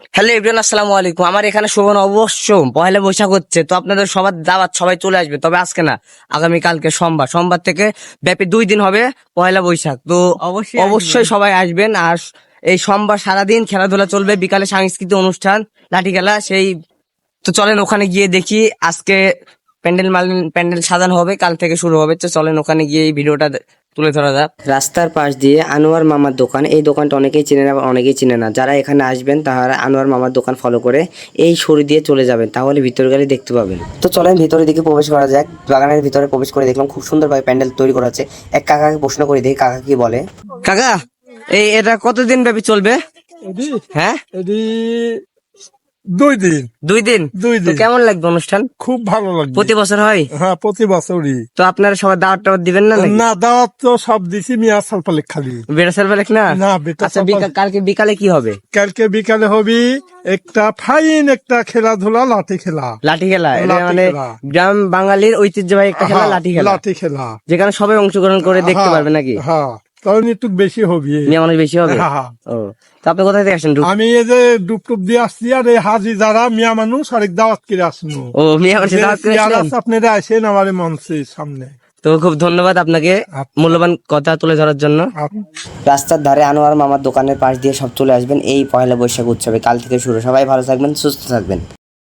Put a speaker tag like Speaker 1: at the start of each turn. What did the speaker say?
Speaker 1: Hello everyone, আসসালামু আলাইকুম। আমার এখানে শোভন অবশ্য পয়লা বৈশাখ হচ্ছে, তো আপনাদের সবার দাওয়াত, সবাই চলে আসবে। তবে আজকে না, আগামী কালকে সোমবার থেকে ব্যাপী 2 দিন হবে পয়লা বৈশাখ। তো অবশ্যই সবাই আসবেন। আর এই সোমবার সারাদিন খেলাধুলা চলবে, বিকালে সাংস্কৃতিক অনুষ্ঠান, লাঠি খেলা সেই। তো চলেন ওখানে গিয়ে দেখি। আজকে প্যান্ডেল সাজানো হবে, কাল থেকে শুরু হবে। তো চলেন ওখানে গিয়ে এই ভিডিওটা তুলে ধরা যাক। রাস্তার পাশ দিয়ে আনোয়ার মামার দোকান, এই দোকানটা অনেকেই চিনে না, আবার অনেকেই চিনে না। যারা এখানে আসবেন তারা আনোয়ার মামার দোকান ফলো করে এই সরি দিয়ে চলে যাবেন, তাহলে ভিতরে গেলে দেখতে পাবেন। তো চলেন ভিতরের দিকে প্রবেশ করা যাক। বাগানের ভিতরে প্রবেশ করে দেখলাম খুব সুন্দরভাবে প্যান্ডেল তৈরি করা আছে। এক কাকাকে প্রশ্ন করে দেখি কাকা কি বলে। কাকা, এটা কতদিন ব্যাপী চলবে?
Speaker 2: এডি
Speaker 1: হ্যাঁ,
Speaker 2: এডি 2 দিন।
Speaker 1: 2 দিন।
Speaker 2: 2 দিন
Speaker 1: কেমন লাগবে অনুষ্ঠান?
Speaker 2: খুব ভালো লাগবে।
Speaker 1: প্রতি বছর হয়?
Speaker 2: হ্যাঁ, প্রতি বছরই।
Speaker 1: তো আপনারা সবাই দাওয়াত টাওয়াত দিবেন না নাকি?
Speaker 2: না, দাওয়াত তো সব দিছি, মিয়া সালপালেক খালি।
Speaker 1: বেড়াসাল বেলেক না?
Speaker 2: না, বেটা
Speaker 1: আচ্ছা, কালকে বিকালে কি হবে?
Speaker 2: কালকে বিকালে হবি একটা ফাইন একটা খেলাধুলা, লাঠি খেলা।
Speaker 1: লাঠি খেলা, এটা
Speaker 2: লাঠি
Speaker 1: মানে
Speaker 2: খেলা।
Speaker 1: গ্রাম বাঙালির ঐতিহ্যবাহী একটা খেলা,
Speaker 2: হ্যাঁ,
Speaker 1: লাঠি খেলা,
Speaker 2: লাঠি খেলা।
Speaker 1: যেখানে সবাই অংশগ্রহণ করে দেখতে
Speaker 2: হ্যাঁ,
Speaker 1: পারবে নাকি?
Speaker 2: হ্যাঁ, তখন একটু বেশি হবি।
Speaker 1: মেয়ে মানুষ বেশি হবে?
Speaker 2: হ্যাঁ, হ্যাঁ।
Speaker 1: ও, তো আপনি কোথা থেকে আসেন?
Speaker 2: আমি এই যে ডুব টুপ দিয়ে আসছি, আর এই হাজি যারা মিয়া মানুষ আরেক দাওয়াত করে আসনু।
Speaker 1: ও, মেয়ে মানুষ দাওয়াত করে আসলেন?
Speaker 2: আপনারা আসেন আমার এই মঞ্চের সামনে।
Speaker 1: তো খুব ধন্যবাদ আপনাকে মূল্যবান কথা তুলে ধরার জন্য। রাস্তার ধারে আনোয়ার মামার দোকানের পাশ দিয়ে সব চলে আসবেন এই পয়লা বৈশাখ উৎসবে। কাল থেকে শুরু। সবাই ভালো থাকবেন, সুস্থ থাকবেন।